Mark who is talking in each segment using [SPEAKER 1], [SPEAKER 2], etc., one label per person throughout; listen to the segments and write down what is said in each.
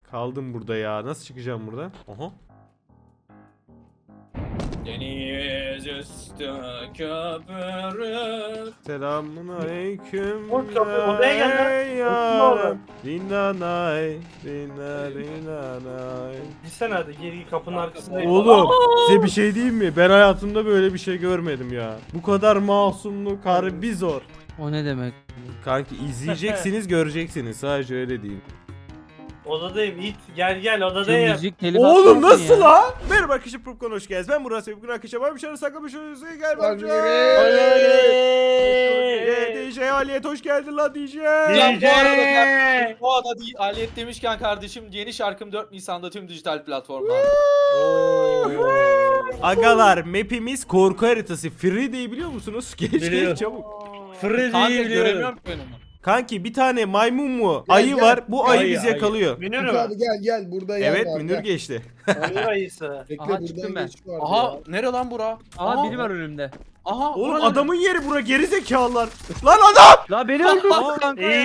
[SPEAKER 1] Kaldım burada ya. Nasıl çıkacağım buradan? Aha.
[SPEAKER 2] Deniz üstü köpürür.
[SPEAKER 1] Selamun aleyküm.
[SPEAKER 3] Oğlum kapı odaya gel lan. Oturma oğlum.
[SPEAKER 1] Dinanay. Dinanay.
[SPEAKER 3] Gitsene hadi geri kapının arkasında.
[SPEAKER 1] Oğlum size bir şey diyeyim mi? Ben hayatımda böyle bir şey görmedim ya. Bu kadar masumluk harbi zor.
[SPEAKER 4] O ne demek?
[SPEAKER 1] Kanki izleyeceksiniz göreceksiniz. Sadece öyle diyeyim.
[SPEAKER 3] Odadayım it. Gel
[SPEAKER 4] Şu
[SPEAKER 3] odadayım.
[SPEAKER 4] müzik telif
[SPEAKER 1] Oğlum
[SPEAKER 4] atmasın
[SPEAKER 1] nasıl
[SPEAKER 4] ya.
[SPEAKER 1] la? Merhaba arkadaşlar Popcorn hoş geldiniz. Ben Murat Sevgi arkadaşlar. Ben bir şeyler saklamış oluyorsunuz. Gel bak. DJ Aliyet hoş geldin la DJ.
[SPEAKER 2] Ya bu arada bu arada Aliyet demişken kardeşim yeni şarkım 4 Nisan'da tüm dijital platformlarda.
[SPEAKER 1] Agalar map'imiz korku haritası. Freddy'yi biliyor musunuz? Geç
[SPEAKER 5] Biliyorum.
[SPEAKER 1] çabuk.
[SPEAKER 5] Freddy'yi
[SPEAKER 2] Kanka
[SPEAKER 5] biliyorum.
[SPEAKER 2] göremiyorum ki ben onu.
[SPEAKER 1] Kanki bir tane maymun mu?
[SPEAKER 6] Gel,
[SPEAKER 1] Ayı
[SPEAKER 6] gel.
[SPEAKER 1] var. Bu ayı
[SPEAKER 5] Ayı,
[SPEAKER 1] bizi
[SPEAKER 5] ayı.
[SPEAKER 1] yakalıyor.
[SPEAKER 3] Münir
[SPEAKER 6] Münir
[SPEAKER 3] mi?
[SPEAKER 6] abi gel burada yer
[SPEAKER 1] Evet
[SPEAKER 6] var.
[SPEAKER 1] Münir
[SPEAKER 6] gel.
[SPEAKER 1] geçti.
[SPEAKER 3] Münir ayısı.
[SPEAKER 6] Bekle
[SPEAKER 4] Aha, çıktım
[SPEAKER 6] buradan
[SPEAKER 4] ben.
[SPEAKER 6] geç vardı
[SPEAKER 2] Aha
[SPEAKER 6] ya.
[SPEAKER 2] nere lan bura?
[SPEAKER 4] Aa biri var önümde.
[SPEAKER 2] Aha
[SPEAKER 1] Oğlum
[SPEAKER 2] bura
[SPEAKER 1] adamın yeri bura geri zekalılar. Lan adam!
[SPEAKER 4] La beni öldürdü kanka ya.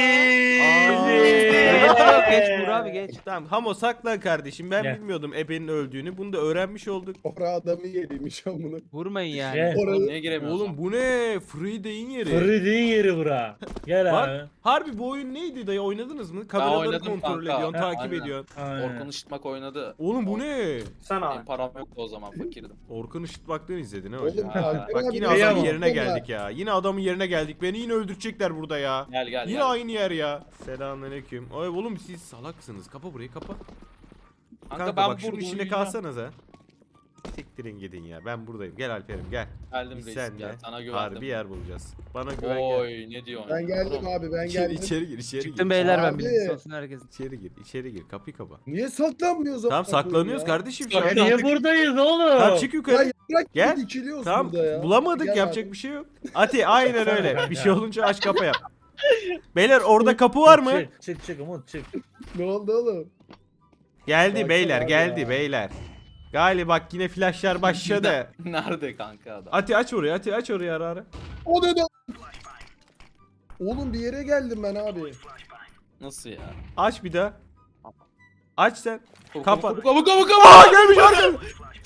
[SPEAKER 4] Geç Burak abi geç.
[SPEAKER 1] Tamam Hamo saklan kardeşim. Ben
[SPEAKER 5] Gel.
[SPEAKER 1] bilmiyordum ebenin öldüğünü. Bunu da öğrenmiş olduk.
[SPEAKER 6] Ora adamı yeriymiş amına.
[SPEAKER 4] Vurmayın yani.
[SPEAKER 5] Gel.
[SPEAKER 2] Oğlum
[SPEAKER 6] Orada
[SPEAKER 2] niye giremiyorsun?
[SPEAKER 1] Oğlum bu ne? Freddy'in yeri.
[SPEAKER 5] Freddy'nin yeri bura. Gel
[SPEAKER 1] Bak.
[SPEAKER 5] abi.
[SPEAKER 1] Harbi bu oyun neydi dayı oynadınız mı? Kameraları
[SPEAKER 2] oynadım
[SPEAKER 1] kontrol
[SPEAKER 2] kanka.
[SPEAKER 1] ediyorsun,
[SPEAKER 5] Ha,
[SPEAKER 1] takip
[SPEAKER 2] aynen.
[SPEAKER 1] ediyorsun.
[SPEAKER 5] Aynen.
[SPEAKER 2] Orkun Işıtmak oynadı.
[SPEAKER 1] Oğlum bu ne?
[SPEAKER 3] Sen abi.
[SPEAKER 2] Benim param yoktu o zaman fakirdim.
[SPEAKER 1] Orkun Işıtmak'tan izledin ha
[SPEAKER 6] Oğlum
[SPEAKER 1] hocam.
[SPEAKER 6] Alper
[SPEAKER 1] Bak
[SPEAKER 6] abi
[SPEAKER 1] yine
[SPEAKER 6] de
[SPEAKER 1] adamın
[SPEAKER 5] Kıyamam.
[SPEAKER 1] yerine
[SPEAKER 6] yapma.
[SPEAKER 1] geldik ya. Yine adamın yerine geldik. Beni yine öldürecekler burada ya.
[SPEAKER 2] Gel gel
[SPEAKER 1] Yine
[SPEAKER 2] gel.
[SPEAKER 1] aynı yer ya. Selamünaleyküm. Ay oğlum siz salaksınız. Kapa burayı kapa. Kanka, bak şunun
[SPEAKER 2] burada
[SPEAKER 1] içine
[SPEAKER 2] uyuyacağım.
[SPEAKER 1] kalsanız ha. Siktirin gidin ya. Ben buradayım. Gel Alper'im gel.
[SPEAKER 2] Geldim
[SPEAKER 1] Biz
[SPEAKER 2] reis
[SPEAKER 1] senle
[SPEAKER 2] gel. Sana güvendim.
[SPEAKER 1] harbi yer bulacağız. Bana güven gel.
[SPEAKER 2] Oy ne diyorsun?
[SPEAKER 6] Ben geldim abi ben
[SPEAKER 1] İçeri,
[SPEAKER 6] geldim.
[SPEAKER 1] içeri gir, içeri
[SPEAKER 4] Çıktım
[SPEAKER 1] gir.
[SPEAKER 4] beyler ben
[SPEAKER 6] Abi.
[SPEAKER 4] bilgisi olsun herkesin.
[SPEAKER 1] İçeri gir, içeri gir. Kapıyı kapa.
[SPEAKER 6] Niye saklanmıyoruz
[SPEAKER 1] Tamam saklanıyoruz
[SPEAKER 6] ya?
[SPEAKER 1] kardeşim şu an.
[SPEAKER 5] Ya niye buradayız oğlum?
[SPEAKER 1] Tamam çık
[SPEAKER 6] Ya
[SPEAKER 1] yukarı.
[SPEAKER 6] bırak
[SPEAKER 1] Gel.
[SPEAKER 6] dikiliyoruz
[SPEAKER 1] Tamam
[SPEAKER 6] burada ya.
[SPEAKER 1] bulamadık
[SPEAKER 6] Gel
[SPEAKER 1] yapacak
[SPEAKER 6] abi.
[SPEAKER 1] bir şey yok. Ati aynen öyle. Bir şey olunca aç kapa yap. Beyler orada kapı var mı?
[SPEAKER 5] Çık Umut çık.
[SPEAKER 6] Ne oldu oğlum?
[SPEAKER 1] Geldi
[SPEAKER 6] Baksana
[SPEAKER 1] beyler
[SPEAKER 6] abi
[SPEAKER 1] geldi
[SPEAKER 6] ya.
[SPEAKER 1] beyler. Galiba bak yine flashlar başladı.
[SPEAKER 2] Nerede kanka adam?
[SPEAKER 1] Ati aç orayı Ati aç orayı ara ara.
[SPEAKER 6] O ne de? Oğlum bir yere geldim ben abi.
[SPEAKER 2] Nasıl ya?
[SPEAKER 1] Aç bir daha. Aç sen. Kapat.
[SPEAKER 2] Kapat.
[SPEAKER 1] Aa gelmiş arkadan.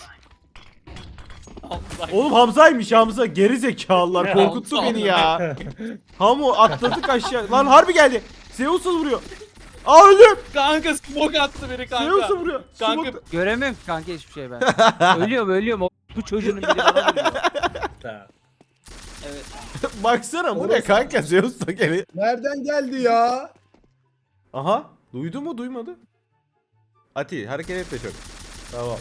[SPEAKER 1] Oğlum Hamza'ymış Hamza. Geri zekalılar korkuttu
[SPEAKER 2] Hamza.
[SPEAKER 1] beni ya. Hamu atladık aşağı. Lan harbi geldi. Zeus'u vuruyor. Aa öldüm.
[SPEAKER 2] Kanka smoke attı biri kanka.
[SPEAKER 1] Zeus'u vuruyor.
[SPEAKER 2] Kanka
[SPEAKER 1] Smoke-
[SPEAKER 4] Göremiyorum ki kanka hiçbir şey ben. ölüyorum. Bu çocuğun biri bana vuruyor.
[SPEAKER 5] Tamam.
[SPEAKER 2] evet.
[SPEAKER 1] Baksana bu ne
[SPEAKER 6] Orası-
[SPEAKER 1] kanka Zeus da gene.
[SPEAKER 6] Nereden geldi ya?
[SPEAKER 1] Aha duydu mu duymadı. Ati hareket etme çok. Tamam.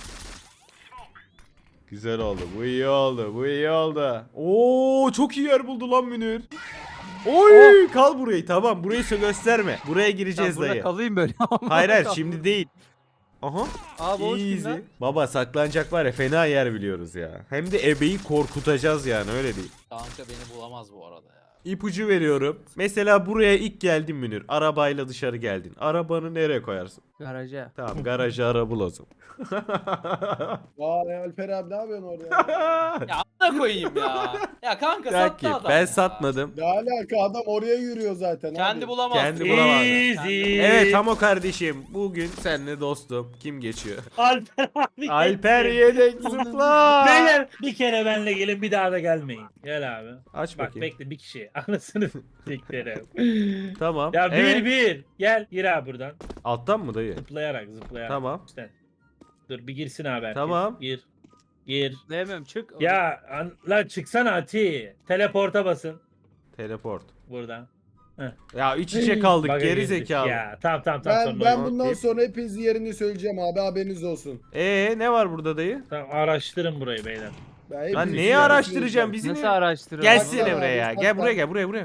[SPEAKER 1] Güzel oldu. Bu iyi oldu. Bu iyi oldu. Oo çok iyi yer buldu lan Münir. Oy kal burayı tamam burayı gösterme. Buraya
[SPEAKER 4] Ben
[SPEAKER 1] gireceğiz
[SPEAKER 4] burada
[SPEAKER 1] dayı.
[SPEAKER 4] kalayım böyle.
[SPEAKER 1] Hayır şimdi değil. Aha.
[SPEAKER 4] Abi hoş
[SPEAKER 1] Easy.
[SPEAKER 4] geldin lan.
[SPEAKER 1] Baba saklanacak var ya fena yer biliyoruz ya. Hem de ebeyi korkutacağız yani öyle değil.
[SPEAKER 2] Kanka beni bulamaz bu arada ya.
[SPEAKER 1] İpucu veriyorum. Mesela buraya ilk geldin Münir. Arabayla dışarı geldin. Arabanı nereye koyarsın?
[SPEAKER 4] Garaja.
[SPEAKER 1] Tamam garaja ara bul o zaman.
[SPEAKER 6] Vay Alper abi ne yapıyorsun orada?
[SPEAKER 2] Ya amına koyayım ya. Ya kanka
[SPEAKER 1] Kanki
[SPEAKER 2] sattı adam
[SPEAKER 1] ben
[SPEAKER 2] ya.
[SPEAKER 1] satmadım.
[SPEAKER 6] Ne alaka adam oraya yürüyor zaten
[SPEAKER 2] Kendi
[SPEAKER 6] abi.
[SPEAKER 2] bulamaz.
[SPEAKER 1] Kendi bulamaz.
[SPEAKER 5] Easy.
[SPEAKER 1] Evet Hamo kardeşim bugün seninle dostum. Kim geçiyor?
[SPEAKER 5] Alper abi.
[SPEAKER 1] Alper yedek zıpla.
[SPEAKER 5] Beyler bir kere benle gelin bir daha da gelmeyin. Gel abi.
[SPEAKER 1] Aç
[SPEAKER 5] Bak
[SPEAKER 1] bakayım.
[SPEAKER 5] bekle bir kişi. Anasını siktirim.
[SPEAKER 1] Tamam.
[SPEAKER 5] Ya
[SPEAKER 1] Evet.
[SPEAKER 5] bir. Gel gir abi buradan.
[SPEAKER 1] Alttan mı dayı?
[SPEAKER 5] Zıplayarak.
[SPEAKER 1] Tamam.
[SPEAKER 5] İşte. Dur bir girsin abi herkes.
[SPEAKER 1] Tamam.
[SPEAKER 5] Gir. Gir.
[SPEAKER 4] Diyemem çık.
[SPEAKER 5] Ya lan çıksana Ati. Teleporta basın.
[SPEAKER 1] Teleport.
[SPEAKER 5] Buradan.
[SPEAKER 1] Ya iç içe kaldık
[SPEAKER 5] Bak,
[SPEAKER 1] geri
[SPEAKER 5] girdik.
[SPEAKER 1] zekalı.
[SPEAKER 5] Ya tamam
[SPEAKER 6] Ben,
[SPEAKER 5] sonra.
[SPEAKER 6] ben
[SPEAKER 1] oyun
[SPEAKER 6] bundan
[SPEAKER 1] deyip-
[SPEAKER 6] sonra hepinizin yerini söyleyeceğim abi haberiniz olsun.
[SPEAKER 1] Ne var burada dayı?
[SPEAKER 5] Tamam araştırın burayı beyler.
[SPEAKER 6] Ben
[SPEAKER 1] Lan
[SPEAKER 6] hepinizin
[SPEAKER 1] neyi
[SPEAKER 6] yerini
[SPEAKER 1] araştıracağım
[SPEAKER 6] söyleyeceğim.
[SPEAKER 1] bizi
[SPEAKER 4] Nasıl
[SPEAKER 1] mi?
[SPEAKER 4] araştırıyor?
[SPEAKER 1] Gelsene
[SPEAKER 6] Baksana
[SPEAKER 1] buraya
[SPEAKER 6] abi,
[SPEAKER 1] ya. Gel
[SPEAKER 6] bak
[SPEAKER 1] buraya
[SPEAKER 6] bak.
[SPEAKER 1] gel buraya.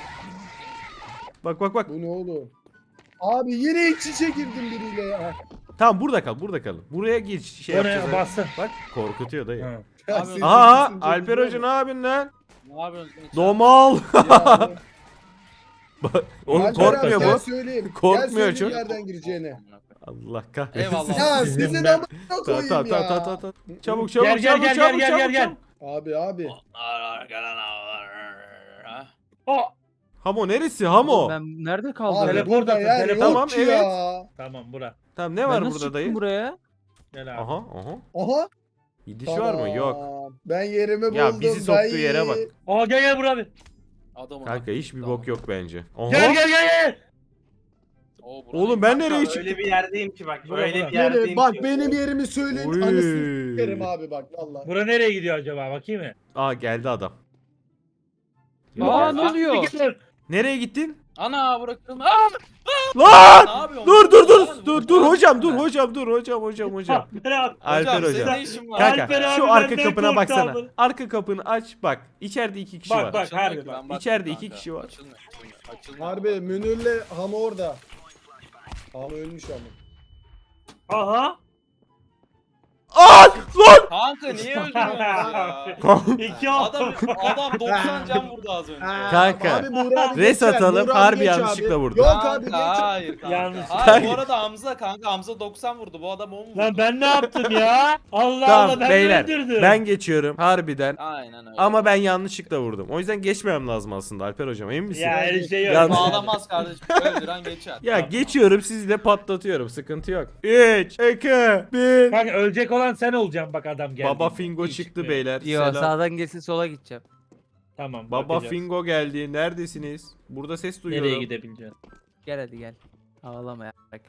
[SPEAKER 1] Bak.
[SPEAKER 6] Bu ne oğlum? Abi yine iç içe girdim biriyle ya.
[SPEAKER 1] Tamam burada kal burada kalın. Buraya geç şey
[SPEAKER 5] Oraya
[SPEAKER 1] yapacağız.
[SPEAKER 5] bassın.
[SPEAKER 1] Bak korkutuyor dayı.
[SPEAKER 5] Ha.
[SPEAKER 6] Ya
[SPEAKER 2] Abi,
[SPEAKER 6] senin
[SPEAKER 1] Aha
[SPEAKER 6] sesin çok
[SPEAKER 1] Alper
[SPEAKER 6] güzel
[SPEAKER 1] Hoca ne yapıyorsun lan?
[SPEAKER 2] Ne yapıyorsun?
[SPEAKER 1] Domal.
[SPEAKER 6] ya.
[SPEAKER 1] Bak, Oğlum
[SPEAKER 6] Alper
[SPEAKER 1] korkmuyor
[SPEAKER 6] abi, gel
[SPEAKER 1] bu.
[SPEAKER 6] söyleyeyim.
[SPEAKER 1] Korkmuyor
[SPEAKER 6] Gel söyleyeyim
[SPEAKER 1] çok.
[SPEAKER 6] nereden gireceğini.
[SPEAKER 1] Allah kahretsin.
[SPEAKER 2] Eyvallah.
[SPEAKER 6] Ya
[SPEAKER 5] Sizin
[SPEAKER 6] sizin
[SPEAKER 5] ben-
[SPEAKER 6] amına koyayım
[SPEAKER 1] Tamam.
[SPEAKER 6] ya.
[SPEAKER 1] Çabuk
[SPEAKER 5] Gel.
[SPEAKER 6] Abi.
[SPEAKER 2] Ha?
[SPEAKER 5] Oh.
[SPEAKER 1] Hamo neresi Hamo?
[SPEAKER 4] Ben nerede kaldım?
[SPEAKER 6] Abi
[SPEAKER 5] Teleport
[SPEAKER 6] burada
[SPEAKER 5] atın,
[SPEAKER 6] yer
[SPEAKER 5] teleport.
[SPEAKER 6] yok
[SPEAKER 1] Tamam,
[SPEAKER 6] ki
[SPEAKER 1] evet.
[SPEAKER 6] ya.
[SPEAKER 5] Tamam bura.
[SPEAKER 1] Tamam ne
[SPEAKER 4] Ben
[SPEAKER 1] var
[SPEAKER 4] nasıl
[SPEAKER 1] burada
[SPEAKER 4] çıktım
[SPEAKER 1] dayı?
[SPEAKER 4] buraya?
[SPEAKER 5] Gel abi.
[SPEAKER 1] Aha aha.
[SPEAKER 6] Aha.
[SPEAKER 1] Gidiş var mı? Yok.
[SPEAKER 6] Tamam. Ben yerimi buldum.
[SPEAKER 1] Ya bizi soktuğu
[SPEAKER 6] dayı.
[SPEAKER 1] yere bak.
[SPEAKER 5] Aa gel buraya abi.
[SPEAKER 2] Adamın
[SPEAKER 1] Kanka hiçbir
[SPEAKER 2] Tamam.
[SPEAKER 1] bok yok bence. Aha.
[SPEAKER 5] Gel.
[SPEAKER 2] Oo, buranın-
[SPEAKER 1] Oğlum ben
[SPEAKER 3] Kanka,
[SPEAKER 1] nereye
[SPEAKER 3] öyle
[SPEAKER 1] çıktım?
[SPEAKER 3] bir yerdeyim ki bak.
[SPEAKER 5] Bura,
[SPEAKER 3] Öyle
[SPEAKER 5] bura.
[SPEAKER 3] bir yerdeyim
[SPEAKER 6] Benim, bak
[SPEAKER 3] ki.
[SPEAKER 6] benim yerimi söyleyin.
[SPEAKER 1] Oy.
[SPEAKER 6] Anasını s**erim abi bak valla.
[SPEAKER 5] Bura nereye gidiyor acaba bakayım mı?
[SPEAKER 1] Aa geldi adam.
[SPEAKER 4] Aa ne oluyor?
[SPEAKER 1] Nereye gittin?
[SPEAKER 2] Ana bırakılma.
[SPEAKER 1] Lan!
[SPEAKER 2] Ne yapıyorsun?
[SPEAKER 1] Dur hocam dur hocam. Alper
[SPEAKER 2] senin
[SPEAKER 1] hocam.
[SPEAKER 2] ne işin var?
[SPEAKER 1] Kanka
[SPEAKER 5] Alper abi
[SPEAKER 1] şu arka
[SPEAKER 5] benden
[SPEAKER 1] kapına
[SPEAKER 5] korktu
[SPEAKER 1] baksana.
[SPEAKER 5] abi.
[SPEAKER 1] Arka kapını aç bak. İçeride 2 kişi var.
[SPEAKER 5] Bak.
[SPEAKER 2] Açılmıyor
[SPEAKER 5] harbi
[SPEAKER 2] ki,
[SPEAKER 5] bak.
[SPEAKER 2] ben baktım
[SPEAKER 1] İçeride
[SPEAKER 2] kanka.
[SPEAKER 1] 2 kişi var.
[SPEAKER 2] Açılmıyor.
[SPEAKER 6] Harbi Münir'le Hamo orada. Hamo ölmüş ama.
[SPEAKER 5] Aha.
[SPEAKER 1] Aa! Lan!
[SPEAKER 2] Kanka niye öldürüyorsun ya?
[SPEAKER 5] İki
[SPEAKER 2] Adam 90 can vurdu az önce.
[SPEAKER 1] Kanka,
[SPEAKER 6] Abi Buğra abi
[SPEAKER 1] res
[SPEAKER 6] geçer,
[SPEAKER 1] atalım,
[SPEAKER 6] Buğra abi
[SPEAKER 1] harbi
[SPEAKER 6] geç
[SPEAKER 1] yanlışlıkla
[SPEAKER 6] abi.
[SPEAKER 1] vurdu.
[SPEAKER 6] Yok
[SPEAKER 2] Kanka,
[SPEAKER 6] abi geç.
[SPEAKER 2] hayır kanka.
[SPEAKER 5] Yanlış.
[SPEAKER 2] Hayır bu arada Hamza kanka Hamza 90 vurdu. Bu adam 10 vurdu.
[SPEAKER 5] Lan ben ne yaptım ya? Allah
[SPEAKER 1] Tamam
[SPEAKER 5] Allah ben
[SPEAKER 1] beyler
[SPEAKER 5] öldürdüm.
[SPEAKER 1] ben geçiyorum harbiden.
[SPEAKER 2] Aynen öyle.
[SPEAKER 1] Ama ben yanlışlıkla vurdum. O yüzden geçmemem lazım aslında Alper hocam emin misin?
[SPEAKER 5] Ya öyle şey yok.
[SPEAKER 1] Yanlış.
[SPEAKER 2] Bağlamaz kardeşim. Öldüren geçer.
[SPEAKER 1] Ya
[SPEAKER 2] Tamam.
[SPEAKER 1] geçiyorum sizi de patlatıyorum sıkıntı yok. 3, 2, 1.
[SPEAKER 5] Kanka ölecek olan sen olacaksın bak adam geldi.
[SPEAKER 1] Baba Fingo
[SPEAKER 5] Hiç
[SPEAKER 1] çıktı
[SPEAKER 5] çıkmıyor.
[SPEAKER 1] beyler.
[SPEAKER 4] Yo
[SPEAKER 1] Selam.
[SPEAKER 4] sağdan gelsin sola gideceğim.
[SPEAKER 5] Tamam.
[SPEAKER 1] Baba
[SPEAKER 5] bakacağız.
[SPEAKER 1] Fingo geldi. Neredesiniz? Burada ses duyuyorum.
[SPEAKER 5] Nereye gidebileceksin?
[SPEAKER 4] Gel hadi gel. Ağlama ya. Bak.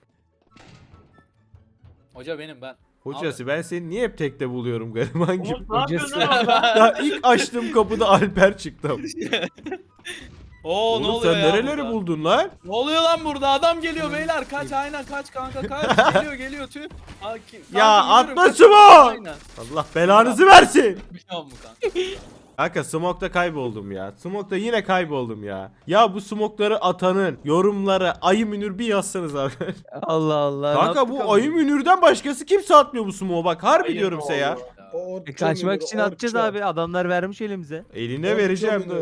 [SPEAKER 2] Hoca benim ben.
[SPEAKER 1] Hocası ben seni niye hep tekte buluyorum gariban gibi.
[SPEAKER 3] Umut ne yapıyorsun
[SPEAKER 4] Hocası.
[SPEAKER 3] lan orada?
[SPEAKER 1] Daha ilk açtığım kapıda Alper çıktı.
[SPEAKER 2] Oo ne
[SPEAKER 1] Oğlum
[SPEAKER 2] oluyor
[SPEAKER 1] sen
[SPEAKER 2] ya
[SPEAKER 1] nereleri
[SPEAKER 2] burada?
[SPEAKER 1] buldun lan?
[SPEAKER 2] Ne oluyor lan burada? Adam geliyor beyler. Kaç aynen kaç kanka kaç. Geliyor tüh.
[SPEAKER 1] Ya atma
[SPEAKER 2] kaç.
[SPEAKER 1] şunu!
[SPEAKER 2] Aynen.
[SPEAKER 1] Allah belanızı versin.
[SPEAKER 2] Biliyor musun kanka?
[SPEAKER 1] Kanka Smoke'da kayboldum ya. Smoke'da yine kayboldum ya. Ya bu smoke'ları atanın yorumlara Ayı Münir bir yazsanız abi.
[SPEAKER 4] Allah Allah. ne
[SPEAKER 1] Kanka
[SPEAKER 4] yaptık
[SPEAKER 1] bu
[SPEAKER 4] ama?
[SPEAKER 1] Ayı Münir'den başkası kimse atmıyor bu smoke'u bak. Harbi
[SPEAKER 3] Ayı
[SPEAKER 1] diyorum size ya.
[SPEAKER 3] Münir.
[SPEAKER 4] Kaçmak için atacağız abi. Adamlar vermiş elimize.
[SPEAKER 1] Eline
[SPEAKER 6] Orçun
[SPEAKER 1] vereceğim
[SPEAKER 6] Münir.
[SPEAKER 1] dur.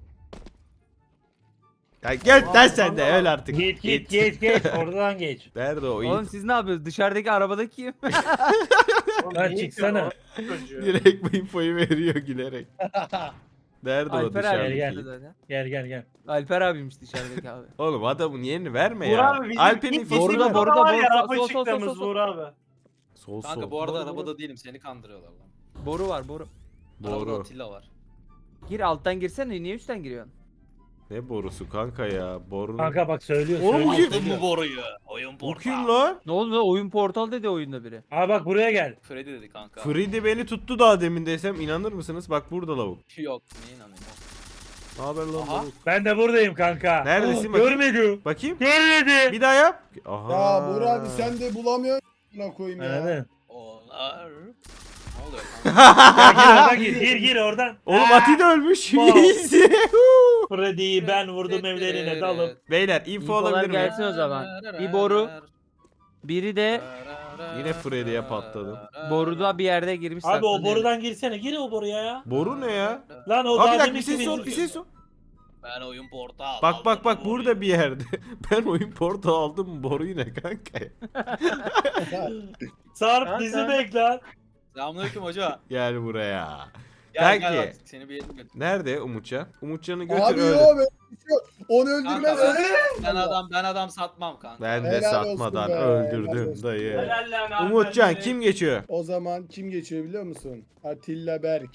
[SPEAKER 1] Ya gel lan sen de öl artık.
[SPEAKER 5] Geç oradan geç.
[SPEAKER 1] Nerede o
[SPEAKER 4] Oğlum
[SPEAKER 1] it?
[SPEAKER 4] siz ne yapıyorsunuz? Dışarıdaki arabadaki kim?
[SPEAKER 5] Lan çıksana.
[SPEAKER 3] Çocuğu.
[SPEAKER 1] Direkt bu infoyu veriyor gülerek. Nerede o
[SPEAKER 4] Alper abi
[SPEAKER 5] Gel,
[SPEAKER 1] dışarıdaki?
[SPEAKER 4] zaten.
[SPEAKER 5] Gel.
[SPEAKER 4] Alper abiymiş dışarıdaki abi.
[SPEAKER 1] Oğlum adamın yerini verme
[SPEAKER 3] Buğra
[SPEAKER 1] ya.
[SPEAKER 3] abi bizim
[SPEAKER 1] Alper'in
[SPEAKER 3] ilk
[SPEAKER 1] infosunu
[SPEAKER 3] gittiğimiz
[SPEAKER 1] ver.
[SPEAKER 4] Borda,
[SPEAKER 3] oda var ya,
[SPEAKER 4] borda,
[SPEAKER 3] araba
[SPEAKER 4] sol, sol,
[SPEAKER 3] çıktığımız
[SPEAKER 4] sol, sol.
[SPEAKER 3] Buğra abi.
[SPEAKER 1] Sol
[SPEAKER 2] Kanka
[SPEAKER 1] sol.
[SPEAKER 2] bu arada
[SPEAKER 4] Doğru,
[SPEAKER 2] arabada değilim seni kandırıyorlar lan.
[SPEAKER 4] Boru var boru.
[SPEAKER 2] Arabada
[SPEAKER 1] Boru.
[SPEAKER 2] Atilla var.
[SPEAKER 4] Gir alttan girsene niye üstten giriyorsun?
[SPEAKER 1] Ne borusu kanka ya? Boru.
[SPEAKER 5] Kanka bak söylüyor.
[SPEAKER 1] Oğlum bu
[SPEAKER 5] söylüyor.
[SPEAKER 1] kim?
[SPEAKER 2] boruyu? Oyun
[SPEAKER 1] Bu kim lan?
[SPEAKER 4] Ne oldu lan? Oyun portal dedi oyunda biri.
[SPEAKER 5] Aa bak buraya gel.
[SPEAKER 2] Freddy dedi kanka.
[SPEAKER 1] Freddy beni tuttu daha demin desem inanır mısınız? Bak burada lavuk.
[SPEAKER 2] Yok niye inanayım?
[SPEAKER 1] Ne haber lan
[SPEAKER 2] Aha.
[SPEAKER 1] lavuk?
[SPEAKER 5] Ben de buradayım kanka.
[SPEAKER 1] Neredesin
[SPEAKER 5] Oh,
[SPEAKER 1] bakayım?
[SPEAKER 5] görmedim.
[SPEAKER 1] Bakayım.
[SPEAKER 5] Görmedim.
[SPEAKER 1] Bir daha yap. Aha.
[SPEAKER 6] Ya Buğra abi sen de bulamıyorsun. Buna koyayım ya.
[SPEAKER 5] Anladın?
[SPEAKER 2] Onlar. Ne oluyor kanka?
[SPEAKER 5] Ya gir oradan gir oradan.
[SPEAKER 1] Oğlum Ati de ölmüş.
[SPEAKER 5] Wow.
[SPEAKER 1] Easy.
[SPEAKER 5] Freddy'yi ben vurdum evlerine dalıp.
[SPEAKER 1] Beyler info
[SPEAKER 4] İnfolar
[SPEAKER 1] alabilir miyim?
[SPEAKER 4] gelsin o zaman. Bir boru. Biri de
[SPEAKER 1] Yine Freddy'ye patladım.
[SPEAKER 4] boruda bir yerde girmiş.
[SPEAKER 5] Abi o
[SPEAKER 4] saklanıyor.
[SPEAKER 5] borudan girsene. Gir o boruya ya.
[SPEAKER 1] Boru ne ya?
[SPEAKER 5] Lan o
[SPEAKER 1] Abi bir
[SPEAKER 5] daha
[SPEAKER 1] dakika bir
[SPEAKER 5] deminki
[SPEAKER 1] ses
[SPEAKER 5] bizim-
[SPEAKER 1] sor bir ses sor.
[SPEAKER 2] Ben oyun portal.
[SPEAKER 1] Bak burada bir yerde. Ben oyun portal aldım boru yine kanka.
[SPEAKER 5] Sarp
[SPEAKER 3] Ha,
[SPEAKER 5] bizi
[SPEAKER 3] sen-
[SPEAKER 5] bekle lan.
[SPEAKER 2] Selamünaleyküm hoca.
[SPEAKER 1] Gel buraya.
[SPEAKER 2] Gel
[SPEAKER 1] Kanki.
[SPEAKER 2] gel artık seni bir yerim götür.
[SPEAKER 1] Nerede Umutcan? Umutcan'ı götür
[SPEAKER 6] Abi
[SPEAKER 1] öyle.
[SPEAKER 6] yok böyle bir şey yok. Onu öldürmez.
[SPEAKER 2] Kanka,
[SPEAKER 6] öldürmez.
[SPEAKER 2] Ben adam satmam kanka.
[SPEAKER 1] Ben de
[SPEAKER 6] Helal olsun
[SPEAKER 1] satmadan
[SPEAKER 6] be, helal
[SPEAKER 1] öldürdüm
[SPEAKER 6] olsun.
[SPEAKER 1] dayı.
[SPEAKER 3] Helal lan abi,
[SPEAKER 1] Umutcan
[SPEAKER 3] ben
[SPEAKER 1] kim geçiyor?
[SPEAKER 6] O zaman kim geçiyor biliyor musun? Atilla Berk.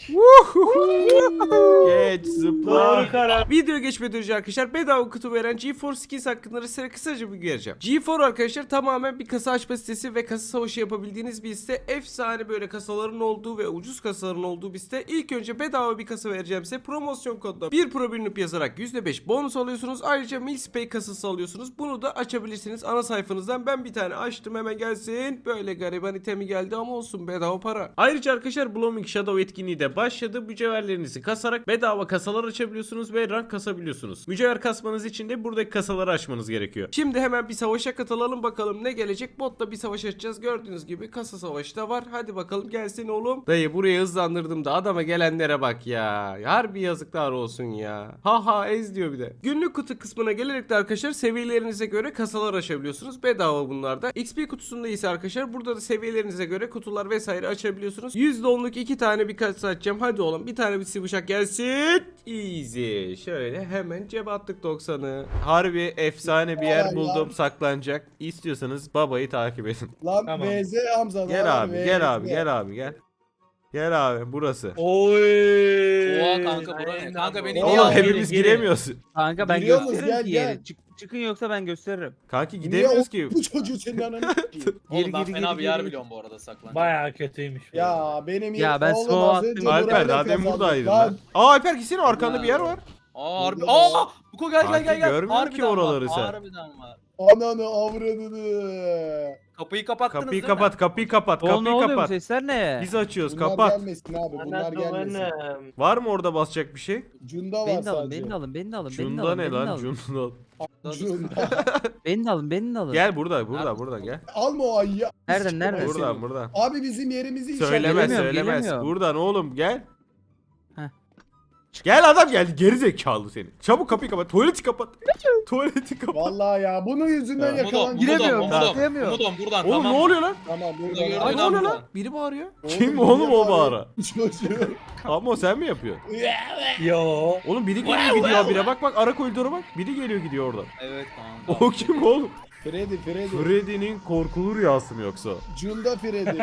[SPEAKER 1] Geç zıpla.
[SPEAKER 5] Doğru karar.
[SPEAKER 1] Video geçmeden önce arkadaşlar bedava kutu veren GeForce Skins hakkında size kısaca bir vereceğim. GeForce arkadaşlar tamamen bir kasa açma sitesi ve kasa savaşı yapabildiğiniz bir site. Efsane böyle kasaların olduğu ve ucuz kasaların olduğu bir site. İlk önce bedava bir kasa vereceğim size. Promosyon kodla 1 Pro Birinip yazarak %5 bonus alıyorsunuz. Ayrıca Milspay kasası alıyorsunuz. Bunu da açabilirsiniz ana sayfanızdan. Ben bir tane açtım hemen gelsin. Böyle gariban itemi geldi ama olsun bedava para. Ayrıca arkadaşlar Blooming Shadow etkinliği de başladı. Mücevherlerinizi kasarak bedava kasalar açabiliyorsunuz ve rank kasabiliyorsunuz. Mücevher kasmanız için de buradaki kasaları açmanız gerekiyor. Şimdi hemen bir savaşa katılalım bakalım ne gelecek. Botla bir savaş açacağız. Gördüğünüz gibi kasa savaşı da var. Hadi bakalım gelsin oğlum. Dayı burayı hızlandırdım da adama gelenlere bak ya. Harbi yazıklar olsun ya. Ha ha ez diyor bir de. Günlük kutu kısmına gelerek de arkadaşlar seviyelerinize göre kasalar açabiliyorsunuz. Bedava bunlarda. XP kutusunda ise arkadaşlar burada da seviyelerinize göre kutular vesaire açabiliyorsunuz. %10'luk 2 tane bir kasa açacağım. Hadi oğlum bir tane bir bıçak gelsin. Easy. Şöyle hemen cebe attık 90'ı. Harbi efsane bir yer
[SPEAKER 6] Ay
[SPEAKER 1] buldum
[SPEAKER 6] ya.
[SPEAKER 1] saklanacak. İstiyorsanız babayı takip edin.
[SPEAKER 6] Lan
[SPEAKER 5] Tamam.
[SPEAKER 6] VZ Hamza.
[SPEAKER 1] Gel
[SPEAKER 6] lan,
[SPEAKER 1] abi
[SPEAKER 6] VZ.
[SPEAKER 1] gel abi gel abi gel. Gel abi burası.
[SPEAKER 5] Oy.
[SPEAKER 2] Oha kanka bura ne?
[SPEAKER 3] Aynen
[SPEAKER 2] Kanka
[SPEAKER 3] bu.
[SPEAKER 2] beni
[SPEAKER 6] Oğlum,
[SPEAKER 2] niye
[SPEAKER 1] Oğlum
[SPEAKER 2] aldın?
[SPEAKER 1] hepimiz
[SPEAKER 5] girin.
[SPEAKER 1] giremiyoruz.
[SPEAKER 4] Kanka ben
[SPEAKER 6] Giriyor musun?
[SPEAKER 4] gösteririm
[SPEAKER 6] Gel,
[SPEAKER 4] ki
[SPEAKER 6] gel.
[SPEAKER 4] yeri. Çıkın yoksa ben gösteririm.
[SPEAKER 1] Kanki
[SPEAKER 6] Niye
[SPEAKER 1] gidemiyoruz ki.
[SPEAKER 6] bu çocuğu senin ananı s**eyim?
[SPEAKER 2] Oğlum ben
[SPEAKER 4] Gir,
[SPEAKER 2] fena
[SPEAKER 4] gir,
[SPEAKER 2] bir yer
[SPEAKER 4] gir.
[SPEAKER 2] biliyorum bu arada saklanacak.
[SPEAKER 5] Bayağı kötüymüş. bu.
[SPEAKER 6] Ya benim
[SPEAKER 4] Ya ben
[SPEAKER 6] oğlum
[SPEAKER 4] smoke
[SPEAKER 6] az önce
[SPEAKER 4] attım.
[SPEAKER 1] Alper
[SPEAKER 6] burayla
[SPEAKER 1] daha demin
[SPEAKER 6] kazandık
[SPEAKER 1] buradaydın
[SPEAKER 6] lan.
[SPEAKER 1] lan. Aa Alper gitsene arkanda bir yer var.
[SPEAKER 2] Aa harbi.
[SPEAKER 6] Burada
[SPEAKER 2] Aa! Buko gel
[SPEAKER 1] Kanki
[SPEAKER 2] gel gel.
[SPEAKER 1] görmüyorum ki
[SPEAKER 2] Harbiden
[SPEAKER 1] oraları
[SPEAKER 2] var,
[SPEAKER 1] sen.
[SPEAKER 2] Harbiden var.
[SPEAKER 6] Ananı avradını.
[SPEAKER 2] Kapıyı kapattınız
[SPEAKER 1] Kapıyı
[SPEAKER 2] değil mi?
[SPEAKER 1] kapat kapıyı kapat
[SPEAKER 4] Oğlum ne
[SPEAKER 1] kapıyı
[SPEAKER 4] oluyor bu
[SPEAKER 1] kapat.
[SPEAKER 4] sesler ne?
[SPEAKER 1] Biz açıyoruz
[SPEAKER 6] Bunlar
[SPEAKER 1] kapat.
[SPEAKER 6] gelmesin abi bunlar
[SPEAKER 3] Ana
[SPEAKER 6] gelmesin.
[SPEAKER 3] duvarım.
[SPEAKER 1] Var mı orada basacak bir şey?
[SPEAKER 6] Cunda var
[SPEAKER 4] Beni de alın,
[SPEAKER 6] sadece.
[SPEAKER 4] beni de alın, beni de alın, beni de
[SPEAKER 1] Cunda
[SPEAKER 4] alın,
[SPEAKER 1] ne
[SPEAKER 4] beni de
[SPEAKER 1] lan?
[SPEAKER 4] alın.
[SPEAKER 1] Cunda.
[SPEAKER 6] Cunda.
[SPEAKER 4] Beni de alın, beni de alın.
[SPEAKER 1] Gel buradan gel.
[SPEAKER 6] Alma o ayıyı.
[SPEAKER 4] Nereden, nereden?
[SPEAKER 1] Buradan.
[SPEAKER 6] Abi bizim yerimizi işaret.
[SPEAKER 1] Söylemez
[SPEAKER 4] Gelemiyorum,
[SPEAKER 1] söylemez.
[SPEAKER 4] gelemiyorum.
[SPEAKER 1] Buradan oğlum gel.
[SPEAKER 4] Heh.
[SPEAKER 1] Gel adam geldi geri zekalı seni. Çabuk kapıyı kapat. Tuvaleti kapat. Tuvaleti kapat.
[SPEAKER 6] Vallahi ya bunun yüzünden
[SPEAKER 1] Ya.
[SPEAKER 6] yakalan.
[SPEAKER 4] Giremiyorum,
[SPEAKER 2] Umudum,
[SPEAKER 4] giremiyorum.
[SPEAKER 2] Umudum buradan
[SPEAKER 1] Oğlum
[SPEAKER 2] tamam.
[SPEAKER 1] ne oluyor lan?
[SPEAKER 6] Tamam
[SPEAKER 2] Burada
[SPEAKER 6] buradan.
[SPEAKER 2] gördüğün
[SPEAKER 1] Ay ne
[SPEAKER 2] an
[SPEAKER 1] oluyor lan?
[SPEAKER 2] buradan.
[SPEAKER 1] Biri bağırıyor.
[SPEAKER 6] Oğlum,
[SPEAKER 1] Kim oğlum
[SPEAKER 6] niye
[SPEAKER 1] o bağıra?
[SPEAKER 6] Çocuğu.
[SPEAKER 1] Ama o sen mi yapıyorsun?
[SPEAKER 5] Yo.
[SPEAKER 1] Oğlum biri geliyor gidiyor bire bak arka koridora bak. Biri geliyor gidiyor oradan.
[SPEAKER 2] Evet kanka.
[SPEAKER 1] O kim oğlum?
[SPEAKER 6] Freddy.
[SPEAKER 1] Freddy'nin korkulu rüyası mı yoksa?
[SPEAKER 6] Cunda Freddy.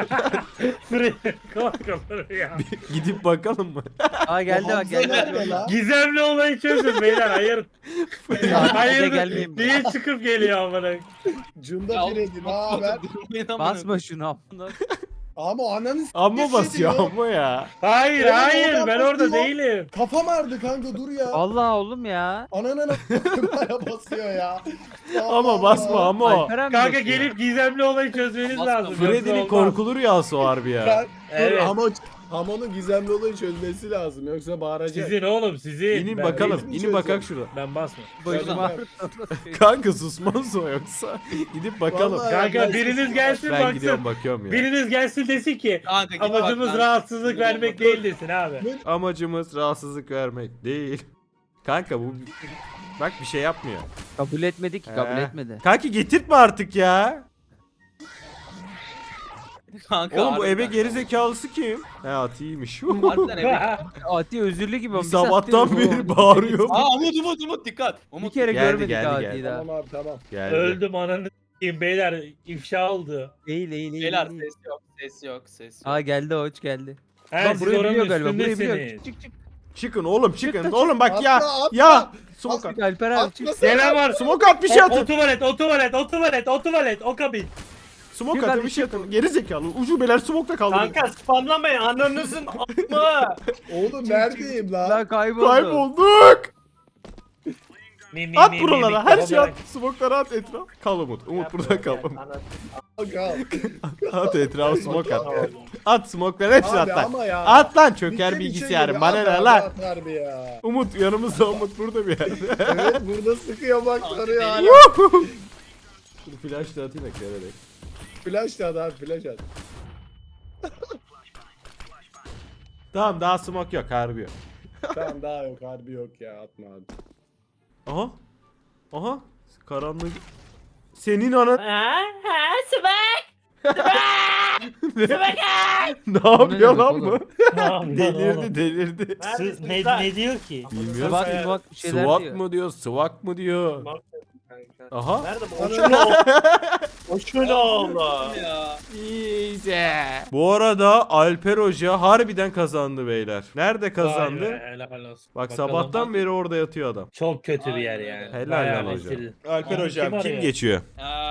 [SPEAKER 5] Korkulur ya.
[SPEAKER 1] Gidip bakalım mı?
[SPEAKER 4] Aa geldi bak
[SPEAKER 6] Hamza
[SPEAKER 4] geldi.
[SPEAKER 6] nerede lan?
[SPEAKER 5] Gizemli olayı çözün beyler. Hayır.
[SPEAKER 4] Ya,
[SPEAKER 5] Hayır.
[SPEAKER 4] gelmeyeyim.
[SPEAKER 5] Niye çıkıp geliyor amına?
[SPEAKER 6] Cunda
[SPEAKER 2] Ya,
[SPEAKER 6] Freddy ne haber?
[SPEAKER 4] Basma şunu amına.
[SPEAKER 6] Ama ananı s***
[SPEAKER 1] Amma basıyor
[SPEAKER 6] diyor.
[SPEAKER 1] amma ya.
[SPEAKER 5] Hayır
[SPEAKER 6] Oğlum,
[SPEAKER 5] hayır
[SPEAKER 6] oradan
[SPEAKER 5] ben orada
[SPEAKER 6] basıyor.
[SPEAKER 5] değilim.
[SPEAKER 6] Kafam ağrıdı kanka dur ya.
[SPEAKER 4] Allah oğlum ya.
[SPEAKER 6] Ananı bana basıyor ya.
[SPEAKER 1] Ama basma ama o.
[SPEAKER 4] Alper abi
[SPEAKER 5] Kanka
[SPEAKER 4] basıyor.
[SPEAKER 5] gelip gizemli olayı çözmeniz
[SPEAKER 2] Basma.
[SPEAKER 5] lazım. yoksa
[SPEAKER 1] Freddy'nin
[SPEAKER 5] olmaz.
[SPEAKER 1] korkulu rüyası o harbi ya.
[SPEAKER 6] Ben,
[SPEAKER 5] Evet.
[SPEAKER 6] Ama Hamon'un gizemli olayı çözmesi lazım yoksa bağıracak.
[SPEAKER 5] Sizin oğlum sizin.
[SPEAKER 1] İnin
[SPEAKER 5] Ben
[SPEAKER 1] bakalım.
[SPEAKER 6] değilim,
[SPEAKER 1] inin
[SPEAKER 6] çözeceğim.
[SPEAKER 1] bakak şurada.
[SPEAKER 5] Ben basma.
[SPEAKER 4] Başım
[SPEAKER 6] Ben-
[SPEAKER 4] ağrıdı.
[SPEAKER 1] Kanka susmaz o yoksa. Gidip bakalım.
[SPEAKER 6] Vallahi-
[SPEAKER 5] Kanka
[SPEAKER 6] Ben-
[SPEAKER 5] biriniz gelsin
[SPEAKER 1] Ben gidiyorum
[SPEAKER 5] baksın.
[SPEAKER 1] bakıyorum ya.
[SPEAKER 5] Biriniz gelsin desin ki
[SPEAKER 2] Kanka git
[SPEAKER 5] amacımız
[SPEAKER 2] bak lan.
[SPEAKER 5] rahatsızlık vermek değil desin abi.
[SPEAKER 1] Amacımız rahatsızlık vermek değil. Kanka bu bak bir şey yapmıyor.
[SPEAKER 4] Kabul etmedi ki kabul
[SPEAKER 1] He.
[SPEAKER 4] etmedi.
[SPEAKER 1] Kanki getirtme artık ya.
[SPEAKER 2] Kanka
[SPEAKER 1] Oğlum bu ebe
[SPEAKER 2] harbiden.
[SPEAKER 1] geri zekalısı kim? He Ati'ymiş.
[SPEAKER 2] Harbiden ebe.
[SPEAKER 4] Ati özürlü gibi.
[SPEAKER 1] Bir
[SPEAKER 4] bir
[SPEAKER 1] sabahtan
[SPEAKER 4] saattir
[SPEAKER 1] beri
[SPEAKER 4] bu-
[SPEAKER 1] bağırıyor.
[SPEAKER 2] Aa Umut dikkat.
[SPEAKER 4] Bir
[SPEAKER 2] Umut.
[SPEAKER 4] kere
[SPEAKER 1] Geldi,
[SPEAKER 4] görmedik
[SPEAKER 1] geldi,
[SPEAKER 4] Ati'yi
[SPEAKER 1] geldi.
[SPEAKER 4] daha.
[SPEAKER 6] Tamam abi tamam.
[SPEAKER 1] Geldi.
[SPEAKER 5] Öldüm ananı s**eyim beyler ifşa oldu.
[SPEAKER 4] Değil değil değil.
[SPEAKER 2] Beyler
[SPEAKER 4] değil.
[SPEAKER 2] ses yok.
[SPEAKER 4] Aa geldi o hiç geldi.
[SPEAKER 5] He
[SPEAKER 4] Lan
[SPEAKER 5] siz
[SPEAKER 4] burayı
[SPEAKER 5] oranın
[SPEAKER 4] biliyor galiba. Burayı biliyor.
[SPEAKER 5] üstündesiniz.
[SPEAKER 4] Çık çık.
[SPEAKER 1] Çıkın oğlum çıkın.
[SPEAKER 4] Çıktı,
[SPEAKER 1] Oğlum bak ya.
[SPEAKER 6] Atla, atla.
[SPEAKER 1] Ya. Smoke at.
[SPEAKER 4] Çık Alper abi çık.
[SPEAKER 6] Atlasana.
[SPEAKER 5] Gelen var.
[SPEAKER 1] Smoke at bir şey
[SPEAKER 5] O
[SPEAKER 1] atın.
[SPEAKER 5] tuvalet, o kabin.
[SPEAKER 1] Smoke
[SPEAKER 4] Çık
[SPEAKER 1] atın
[SPEAKER 4] hadi,
[SPEAKER 1] bir şey atın. Geri zekalı. Ucubeler smoke'ta kaldı.
[SPEAKER 3] Kanka spamlamayın ananızın amı.
[SPEAKER 6] Oğlum neredeyim lan?
[SPEAKER 4] Lan kayboldu.
[SPEAKER 1] Kaybolduk. At buralara. Her şey at.
[SPEAKER 5] at.
[SPEAKER 1] Smoke'lara at etraf. Kal Umut. Umut burada kal.
[SPEAKER 6] Kanka.
[SPEAKER 1] At etraf smoke at. At smoke'ları hepsini at
[SPEAKER 6] Abi
[SPEAKER 1] lan.
[SPEAKER 6] ama ya.
[SPEAKER 1] At lan çöker
[SPEAKER 6] Bir şey
[SPEAKER 1] bilgisayarım.
[SPEAKER 6] geliyor,
[SPEAKER 1] Bana
[SPEAKER 6] at
[SPEAKER 1] ne
[SPEAKER 6] abi,
[SPEAKER 1] lan?
[SPEAKER 6] at harbi ya.
[SPEAKER 1] Umut yanımızda Umut burada bir yerde.
[SPEAKER 6] Evet burada sıkıyor bak sarıyor hala.
[SPEAKER 1] Dur flash da atayım eklerek.
[SPEAKER 6] Flash at abi flash at.
[SPEAKER 1] Tamam daha smoke yok harbi yok.
[SPEAKER 6] Tamam daha yok harbi yok ya atma abi.
[SPEAKER 1] Aha. Aha. Karanlık. Senin anan ne yapıyor
[SPEAKER 4] demek
[SPEAKER 1] lan bu?
[SPEAKER 4] oğlum?
[SPEAKER 1] Delirdi.
[SPEAKER 5] Ne diyor ki?
[SPEAKER 1] Bilmiyorum.
[SPEAKER 4] Bak bak bir şeyler
[SPEAKER 1] SWAT
[SPEAKER 4] diyor.
[SPEAKER 1] mı diyor, swak mı diyor. Aha.
[SPEAKER 3] Nerede bu?
[SPEAKER 6] Ananı-
[SPEAKER 3] O şöyle oldu.
[SPEAKER 2] Ya.
[SPEAKER 1] İyice. Bu arada Alper Hoca harbiden kazandı beyler. Nerede kazandı?
[SPEAKER 5] Vay be, helal olsun.
[SPEAKER 1] Bak
[SPEAKER 5] Bakalım.
[SPEAKER 1] sabahtan beri orada yatıyor adam.
[SPEAKER 5] Çok kötü bir yer
[SPEAKER 2] Aynen
[SPEAKER 5] yani.
[SPEAKER 2] öyle.
[SPEAKER 1] Helal
[SPEAKER 5] Bayağı
[SPEAKER 1] lan hocam.
[SPEAKER 5] rezil.
[SPEAKER 1] Alper
[SPEAKER 5] Abi,
[SPEAKER 1] hocam
[SPEAKER 5] kim
[SPEAKER 1] kim
[SPEAKER 5] arıyor?
[SPEAKER 1] geçiyor?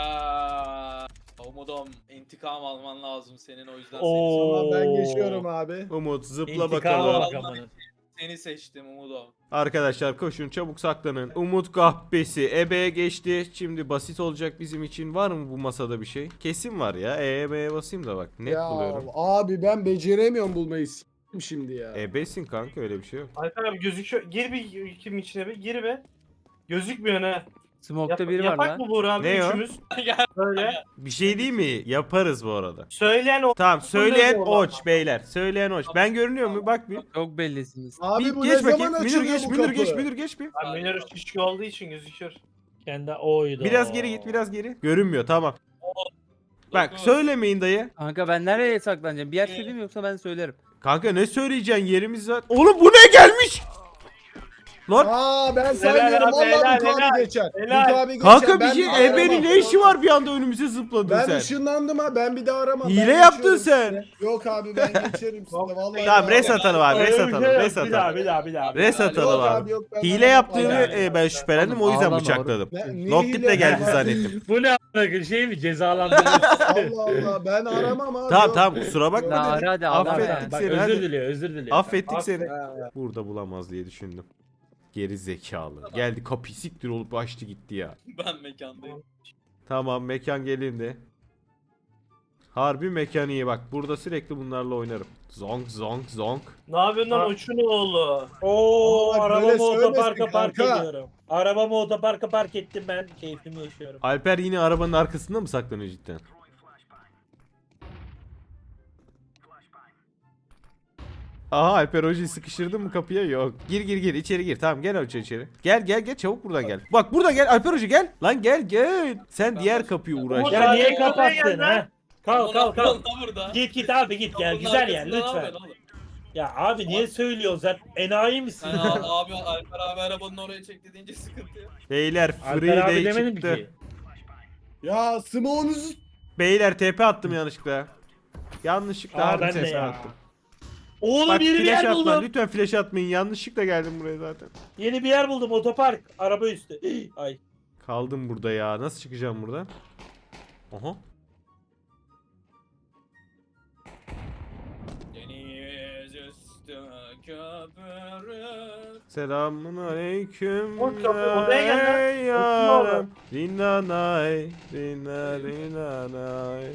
[SPEAKER 2] Umudum intikam alman lazım senin o yüzden
[SPEAKER 5] Oo.
[SPEAKER 6] Tamam ben geçiyorum abi.
[SPEAKER 1] Umut zıpla
[SPEAKER 5] İntikama
[SPEAKER 1] bakalım.
[SPEAKER 5] bak amına.
[SPEAKER 2] seni seçtim Umudum.
[SPEAKER 1] Arkadaşlar koşun çabuk saklanın. Umut kahpesi ebeye geçti. Şimdi basit olacak bizim için. Var mı bu masada bir şey? Kesin var ya. E'ye basayım da bak. Net
[SPEAKER 6] Ya
[SPEAKER 1] buluyorum.
[SPEAKER 6] abi ben beceremiyorum bulmayı s**tim şimdi ya.
[SPEAKER 1] Ebesin kanka öyle bir şey yok.
[SPEAKER 3] Alper abi gözüküyor. Gir bir kim içine bir gir be. Gözükmüyor ne?
[SPEAKER 4] Smoke'ta biri var
[SPEAKER 3] Yapak
[SPEAKER 4] lan.
[SPEAKER 3] mı Buğra abi
[SPEAKER 1] Ne o?
[SPEAKER 3] üçümüz?
[SPEAKER 2] Gel.
[SPEAKER 3] Böyle.
[SPEAKER 1] Bir şey değil mi? Yaparız bu arada.
[SPEAKER 3] Söyleyen o.
[SPEAKER 1] Tamam söyleyen
[SPEAKER 3] Bunlar da
[SPEAKER 1] oç beyler. Söyleyen oç. Ben görünüyor mu? Bak bir.
[SPEAKER 4] Çok bellisiniz.
[SPEAKER 6] Abi
[SPEAKER 1] Bir
[SPEAKER 6] bu
[SPEAKER 1] geç
[SPEAKER 6] ne zaman
[SPEAKER 1] bakayım. Münir
[SPEAKER 6] açılıyor
[SPEAKER 1] geç,
[SPEAKER 6] bu
[SPEAKER 1] Münir
[SPEAKER 6] kapı?
[SPEAKER 1] geç, Münir geç bir.
[SPEAKER 3] Abi Münir şişki olduğu için gözüküyor.
[SPEAKER 5] Kendi oydu.
[SPEAKER 1] Biraz geri git, biraz geri. Görünmüyor, tamam. Bak
[SPEAKER 2] Dokuz.
[SPEAKER 1] söylemeyin dayı.
[SPEAKER 4] Kanka ben nereye saklanacağım? Bir yer söyleyeyim mi yoksa ben söylerim.
[SPEAKER 1] Kanka ne söyleyeceksin, yerimiz var. Oğlum bu ne gelmiş? Lan
[SPEAKER 6] Aa ben
[SPEAKER 3] Helal
[SPEAKER 6] saymıyorum.
[SPEAKER 3] abi,
[SPEAKER 6] Valla
[SPEAKER 3] helal,
[SPEAKER 6] Mut abi
[SPEAKER 3] helal.
[SPEAKER 6] geçer.
[SPEAKER 3] Helal.
[SPEAKER 6] Mut abi geçer.
[SPEAKER 1] kanka bir
[SPEAKER 6] Ben
[SPEAKER 1] şey
[SPEAKER 6] aramam.
[SPEAKER 1] Ebe'nin ne işi var bir anda önümüze zıpladın
[SPEAKER 6] Ben
[SPEAKER 1] sen.
[SPEAKER 6] ışınlandım ha. Ben bir daha aramam.
[SPEAKER 1] Hile
[SPEAKER 6] Ben
[SPEAKER 1] yaptın
[SPEAKER 6] geçiyorum
[SPEAKER 1] sen.
[SPEAKER 6] size. Yok abi ben geçerim size. Vallahi.
[SPEAKER 1] Tamam res atalım abi, res atalım, res
[SPEAKER 5] Bir daha
[SPEAKER 1] atalım.
[SPEAKER 5] bir daha bir daha.
[SPEAKER 1] Res
[SPEAKER 6] Yok
[SPEAKER 1] atalım abi.
[SPEAKER 6] abi yok. Ben
[SPEAKER 1] Hile
[SPEAKER 6] aramam.
[SPEAKER 1] yaptığını
[SPEAKER 6] Vallahi.
[SPEAKER 1] ben şüphelendim, o yüzden
[SPEAKER 4] Ağlama
[SPEAKER 1] bıçakladım.
[SPEAKER 6] Ne
[SPEAKER 1] Noktit
[SPEAKER 6] hile
[SPEAKER 1] de geldi
[SPEAKER 6] ya?
[SPEAKER 1] zannettim.
[SPEAKER 5] Bu ne a**ına şey mi cezalandırıyorsun?
[SPEAKER 6] Allah Allah ben aramam abi.
[SPEAKER 1] Tamam
[SPEAKER 6] yok.
[SPEAKER 1] tamam kusura bakma
[SPEAKER 4] La
[SPEAKER 1] dedim.
[SPEAKER 4] hadi
[SPEAKER 1] Affettik
[SPEAKER 4] ağlama.
[SPEAKER 5] Bak
[SPEAKER 1] seni
[SPEAKER 5] özür
[SPEAKER 1] hadi.
[SPEAKER 5] diliyor özür diliyor.
[SPEAKER 1] Affettik seni.
[SPEAKER 6] Ha.
[SPEAKER 1] Burada bulamaz diye düşündüm. Geri zekalı. Geldi kapıyı siktir olup açtı gitti ya.
[SPEAKER 2] Ben mekandayım.
[SPEAKER 1] Tamam mekan gelindi. Harbi mekan iyi bak. Burada sürekli bunlarla oynarım. Zonk zonk zonk.
[SPEAKER 3] Ne yapıyorsun lan uçun oğlu?
[SPEAKER 5] Oo
[SPEAKER 6] Bak,
[SPEAKER 5] arabamı
[SPEAKER 6] böyle
[SPEAKER 5] otoparka
[SPEAKER 6] söylemesin
[SPEAKER 5] park
[SPEAKER 6] kanka.
[SPEAKER 5] ediyorum. Arabamı otoparka park ettim ben keyfimi yaşıyorum.
[SPEAKER 1] Alper yine arabanın arkasında mı saklanıyor cidden? Aha Alper hocayı sıkıştırdın mı kapıya? Yok. Gir gir gir içeri gir. Tamam gel hoca içeri. Gel gel gel çabuk buradan gel. Bak burada gel Alper hoca gel. Lan gel gel. Sen diğer kapıyı uğraş.
[SPEAKER 5] Ya niye
[SPEAKER 3] Oraya
[SPEAKER 5] kapattın
[SPEAKER 3] gel
[SPEAKER 5] ha? Kalk kalk kalk.
[SPEAKER 2] Burada.
[SPEAKER 5] Git git abi git gel
[SPEAKER 2] Bunun
[SPEAKER 5] güzel yer
[SPEAKER 2] arkasında ne
[SPEAKER 5] lütfen.
[SPEAKER 2] yapıyorsun oğlum?
[SPEAKER 5] Ya abi niye söylüyorsun sen enayi misin?
[SPEAKER 2] Sen abi Alper abi arabanın oraya çekti deyince sıkıntı yok.
[SPEAKER 1] Beyler
[SPEAKER 5] Alper
[SPEAKER 1] free
[SPEAKER 5] abi
[SPEAKER 1] day
[SPEAKER 5] demedim
[SPEAKER 1] çıktı.
[SPEAKER 5] ki.
[SPEAKER 6] Ya smoğunuzu
[SPEAKER 1] Beyler TP attım yanlışlıkla. Yanlışlıkla
[SPEAKER 5] Aa
[SPEAKER 1] harbi
[SPEAKER 5] ben de
[SPEAKER 1] TP
[SPEAKER 5] ya.
[SPEAKER 1] attım.
[SPEAKER 5] Oğlum
[SPEAKER 1] Bak
[SPEAKER 5] yeni bir
[SPEAKER 1] flash
[SPEAKER 5] yer
[SPEAKER 1] atma.
[SPEAKER 5] buldum.
[SPEAKER 1] Lütfen flash atmayın. Yanlışlıkla geldim buraya zaten.
[SPEAKER 5] Yeni bir yer buldum otopark. Araba üstü. Ay.
[SPEAKER 1] Kaldım burada ya. Nasıl çıkacağım buradan? Aha.
[SPEAKER 2] Deniz üstü köpürür.
[SPEAKER 1] Selamun aleyküm.
[SPEAKER 3] Oğlum kapı- odaya gel lan.
[SPEAKER 1] ey
[SPEAKER 3] Oturma
[SPEAKER 1] yarım.
[SPEAKER 3] oraya.
[SPEAKER 1] Rinanay. Rinanay.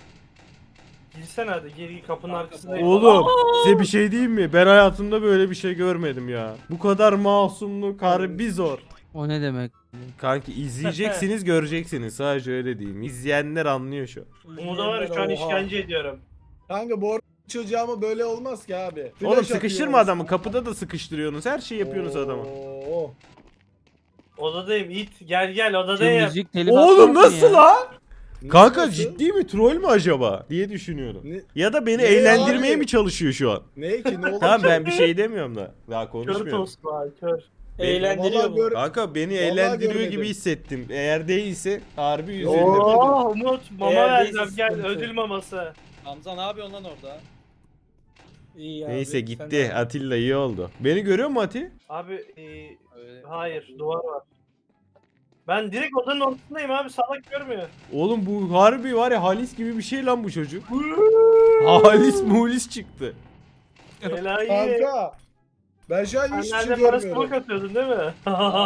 [SPEAKER 3] Girsene hadi geri kapının arkasında.
[SPEAKER 1] Oğlum size bir şey diyeyim mi? Ben hayatımda böyle bir şey görmedim ya. Bu kadar masumluk harbi zor.
[SPEAKER 4] O ne demek?
[SPEAKER 1] Kanki izleyeceksiniz göreceksiniz. Sadece öyle diyeyim. İzleyenler anlıyor şu an.
[SPEAKER 3] Umut'a var ya şu an
[SPEAKER 5] Oha.
[SPEAKER 3] işkence ediyorum.
[SPEAKER 6] kanka bu çocuğa ama böyle olmaz ki abi.
[SPEAKER 1] Oğlum
[SPEAKER 6] Flash
[SPEAKER 1] sıkıştırma
[SPEAKER 6] atıyoruz.
[SPEAKER 1] adamı. Kapıda da sıkıştırıyorsunuz. Her şeyi yapıyorsunuz adama.
[SPEAKER 6] Oo.
[SPEAKER 3] Odadayım it gel gel
[SPEAKER 4] Şu
[SPEAKER 3] odadayım.
[SPEAKER 4] müzik telif
[SPEAKER 1] Oğlum
[SPEAKER 4] atmasın
[SPEAKER 1] nasıl
[SPEAKER 4] ya.
[SPEAKER 1] lan? Kanka
[SPEAKER 6] Nasıl?
[SPEAKER 1] ciddi mi? Troll mü acaba? Diye düşünüyorum.
[SPEAKER 6] Ne-
[SPEAKER 1] Ya da beni
[SPEAKER 6] Ne
[SPEAKER 1] eğlendirmeye
[SPEAKER 6] abi?
[SPEAKER 1] mi çalışıyor şu an?
[SPEAKER 6] Ne ki ne olur
[SPEAKER 1] Tamam
[SPEAKER 6] ki?
[SPEAKER 1] ben bir şey demiyorum da. Daha
[SPEAKER 3] Kör
[SPEAKER 1] konuşmuyorum.
[SPEAKER 3] tost var kör.
[SPEAKER 5] Eğlendiriyor
[SPEAKER 6] Vallahi
[SPEAKER 5] mu?
[SPEAKER 6] gör-
[SPEAKER 1] Kanka beni
[SPEAKER 6] Vallahi
[SPEAKER 1] eğlendiriyor
[SPEAKER 6] görmedim.
[SPEAKER 1] gibi hissettim. Eğer değilse harbi üzüldüm.
[SPEAKER 3] Oo Umut mama
[SPEAKER 5] Eğer
[SPEAKER 3] vereceğim
[SPEAKER 5] değilse
[SPEAKER 3] gel
[SPEAKER 5] sıkıntı.
[SPEAKER 3] ödül maması.
[SPEAKER 2] Hamza ne yapıyorsun lan orada?
[SPEAKER 5] İyi abi,
[SPEAKER 1] Neyse
[SPEAKER 5] sen
[SPEAKER 1] gitti.
[SPEAKER 5] de-
[SPEAKER 1] Atilla iyi oldu. Beni görüyor mu Ati?
[SPEAKER 3] Abi
[SPEAKER 2] Öyle.
[SPEAKER 3] hayır duvar var. Ben direkt odanın ortasındayım abi salak görmüyor.
[SPEAKER 1] Oğlum bu harbi var ya Halis gibi bir şey lan bu çocuk. Halis mulis çıktı.
[SPEAKER 3] Enayi.
[SPEAKER 6] Kanka. Ben şu an
[SPEAKER 3] Sen
[SPEAKER 6] hiçbir şey
[SPEAKER 3] nerede bana
[SPEAKER 6] görmüyorum.
[SPEAKER 3] smoke atıyordun değil mi?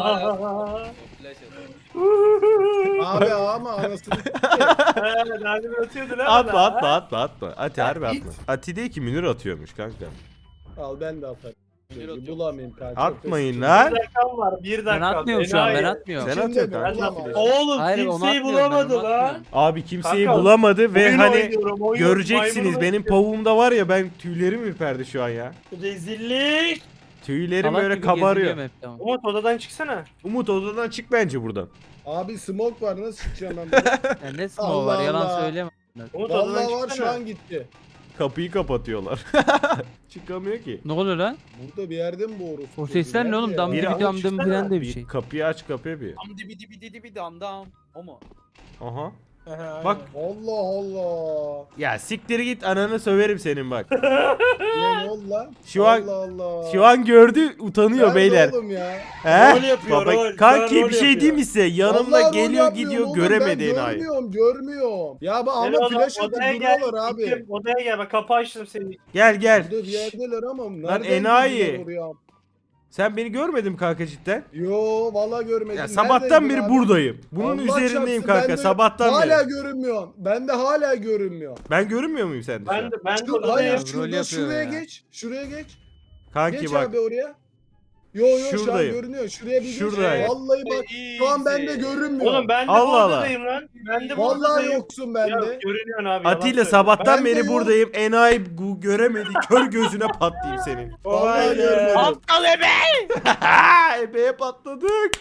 [SPEAKER 2] Flash atalım.
[SPEAKER 6] Abi ama anasını
[SPEAKER 3] Nerede atıyordun ha
[SPEAKER 1] Atma
[SPEAKER 3] bana,
[SPEAKER 1] atma
[SPEAKER 3] ha?
[SPEAKER 1] atma atma. Ati harbi
[SPEAKER 6] Ya,
[SPEAKER 1] atma. Ati değil ki Münir atıyormuş kanka.
[SPEAKER 6] al ben de atarım.
[SPEAKER 2] Münir atıyor.
[SPEAKER 6] Bulamayayım kanka.
[SPEAKER 1] Atmayın
[SPEAKER 6] Çok
[SPEAKER 1] lan.
[SPEAKER 3] Bir dakikam var bir dakika.
[SPEAKER 4] Ben atmıyorum şu an ben
[SPEAKER 3] Enayi.
[SPEAKER 4] atmıyorum.
[SPEAKER 1] Sen
[SPEAKER 6] İçinde
[SPEAKER 1] atıyorsun
[SPEAKER 6] mi?
[SPEAKER 1] kanka.
[SPEAKER 6] Bulamam.
[SPEAKER 5] Oğlum
[SPEAKER 4] Hayır, onu
[SPEAKER 5] kimseyi
[SPEAKER 4] atmıyorum, ben
[SPEAKER 5] bulamadı
[SPEAKER 4] onu
[SPEAKER 5] lan.
[SPEAKER 4] atmıyorum.
[SPEAKER 1] Abi kimseyi
[SPEAKER 3] Kanka,
[SPEAKER 1] bulamadı ve
[SPEAKER 3] Oyun
[SPEAKER 1] hani
[SPEAKER 3] oynuyorum, oyun,
[SPEAKER 1] göreceksiniz
[SPEAKER 3] maymun
[SPEAKER 1] benim
[SPEAKER 3] oynuyorum.
[SPEAKER 1] pavuğumda var ya ben tüylerim ürperdi şu an ya.
[SPEAKER 5] Rezillik.
[SPEAKER 1] Tüylerim
[SPEAKER 4] Salak
[SPEAKER 1] böyle
[SPEAKER 4] gibi
[SPEAKER 1] kabarıyor.
[SPEAKER 4] geziliyorum hep, tamam.
[SPEAKER 3] Umut odadan çıksana.
[SPEAKER 1] Umut odadan çık bence buradan.
[SPEAKER 6] Abi smoke var nasıl çıkacağım ben buradan?
[SPEAKER 4] Ya ne smoke
[SPEAKER 6] Allah
[SPEAKER 4] var yalan
[SPEAKER 6] Allah.
[SPEAKER 4] söyleme.
[SPEAKER 3] Umut odadan
[SPEAKER 6] Vallahi var
[SPEAKER 3] çıksana.
[SPEAKER 6] şu an gitti.
[SPEAKER 1] Kapıyı kapatıyorlar. Çıkamıyor ki.
[SPEAKER 4] Ne oluyor lan?
[SPEAKER 6] Burada bir yerde mi bu orospu?
[SPEAKER 4] O sesler ne
[SPEAKER 6] Nerede
[SPEAKER 4] oğlum?
[SPEAKER 6] ya?
[SPEAKER 4] Dam
[SPEAKER 1] Biri
[SPEAKER 4] dibi
[SPEAKER 1] alıp
[SPEAKER 4] dam dım
[SPEAKER 3] çıksana.
[SPEAKER 4] filan de bir şey.
[SPEAKER 1] Kapıyı aç kapıyı bir.
[SPEAKER 2] Dam dibi dibi dibi dibi dam dam. O mu?
[SPEAKER 1] Aha.
[SPEAKER 5] Aha,
[SPEAKER 1] Bak.
[SPEAKER 6] Allah Allah.
[SPEAKER 1] Ya siktir git ananı söverim senin bak.
[SPEAKER 6] Ne oldu lan?
[SPEAKER 1] Şu an-
[SPEAKER 6] Allah Allah.
[SPEAKER 1] Şu an gördü utanıyor
[SPEAKER 6] Nerede
[SPEAKER 1] beyler.
[SPEAKER 6] oğlum ya?
[SPEAKER 1] He?
[SPEAKER 5] Rol yapıyor,
[SPEAKER 1] Baba,
[SPEAKER 5] rol.
[SPEAKER 1] kanki
[SPEAKER 5] Şu an
[SPEAKER 1] bir
[SPEAKER 5] rol
[SPEAKER 1] şey
[SPEAKER 5] yapıyor.
[SPEAKER 1] diyeyim mi size? Yanımda
[SPEAKER 6] Vallahi rol
[SPEAKER 1] geliyor
[SPEAKER 6] yapmıyorum
[SPEAKER 1] gidiyor
[SPEAKER 6] oğlum,
[SPEAKER 1] göremedi
[SPEAKER 6] ben
[SPEAKER 1] enayi.
[SPEAKER 6] görmüyorum. Ya
[SPEAKER 3] Gel
[SPEAKER 6] ama
[SPEAKER 3] oğlum,
[SPEAKER 6] flash atıp
[SPEAKER 3] odaya gel.
[SPEAKER 6] duruyorlar abi.
[SPEAKER 3] Gittim, odaya gel bak kapı açtım seni.
[SPEAKER 1] Gel gel.
[SPEAKER 6] Burada bir yerdeler ama nereden
[SPEAKER 1] enayi.
[SPEAKER 6] girdiler oraya?
[SPEAKER 1] Sen beni görmedin mi kanka cidden?
[SPEAKER 6] Yo vallahi görmedim.
[SPEAKER 1] Ya sabahtan beri
[SPEAKER 6] Neredeydin abi?
[SPEAKER 1] buradayım. Bunun
[SPEAKER 6] Allah
[SPEAKER 1] üzerindeyim
[SPEAKER 6] çarpsın,
[SPEAKER 1] kanka
[SPEAKER 6] ben de
[SPEAKER 1] sabahtan
[SPEAKER 6] hala
[SPEAKER 1] beri.
[SPEAKER 6] görünmüyorum. Ben de hala görünmüyor.
[SPEAKER 1] Ben görünmüyor muyum sende şu an?
[SPEAKER 3] Ben de
[SPEAKER 6] Hayır
[SPEAKER 3] odadayım.
[SPEAKER 4] rol
[SPEAKER 6] şurada
[SPEAKER 4] yapıyor
[SPEAKER 6] şuraya
[SPEAKER 4] ya.
[SPEAKER 6] geç. Şuraya geç.
[SPEAKER 1] Kanki
[SPEAKER 6] Geç
[SPEAKER 1] bak
[SPEAKER 6] abi oraya. Yo şu an
[SPEAKER 1] Şuradayım.
[SPEAKER 6] görünüyor. Şuraya bir
[SPEAKER 1] Şuradayım.
[SPEAKER 6] geç. Vallahi bak şu an bende görünmüyor.
[SPEAKER 3] Oğlum ben de
[SPEAKER 1] Allah
[SPEAKER 3] bu
[SPEAKER 1] Allah.
[SPEAKER 3] odadayım lan. Ben de bu
[SPEAKER 6] Vallahi
[SPEAKER 3] odadayım.
[SPEAKER 6] yoksun
[SPEAKER 3] Ya
[SPEAKER 6] bende.
[SPEAKER 3] görünüyorsun abi. yalan
[SPEAKER 1] Atilla
[SPEAKER 3] söylüyorum.
[SPEAKER 1] sabahtan
[SPEAKER 6] Ben de
[SPEAKER 1] beri
[SPEAKER 6] yok.
[SPEAKER 1] buradayım. Enayi göremedi. Kör gözüne patlayayım senin.
[SPEAKER 6] Vallahi görmedim.
[SPEAKER 4] Aptal ebe!
[SPEAKER 1] Ebeye patladık.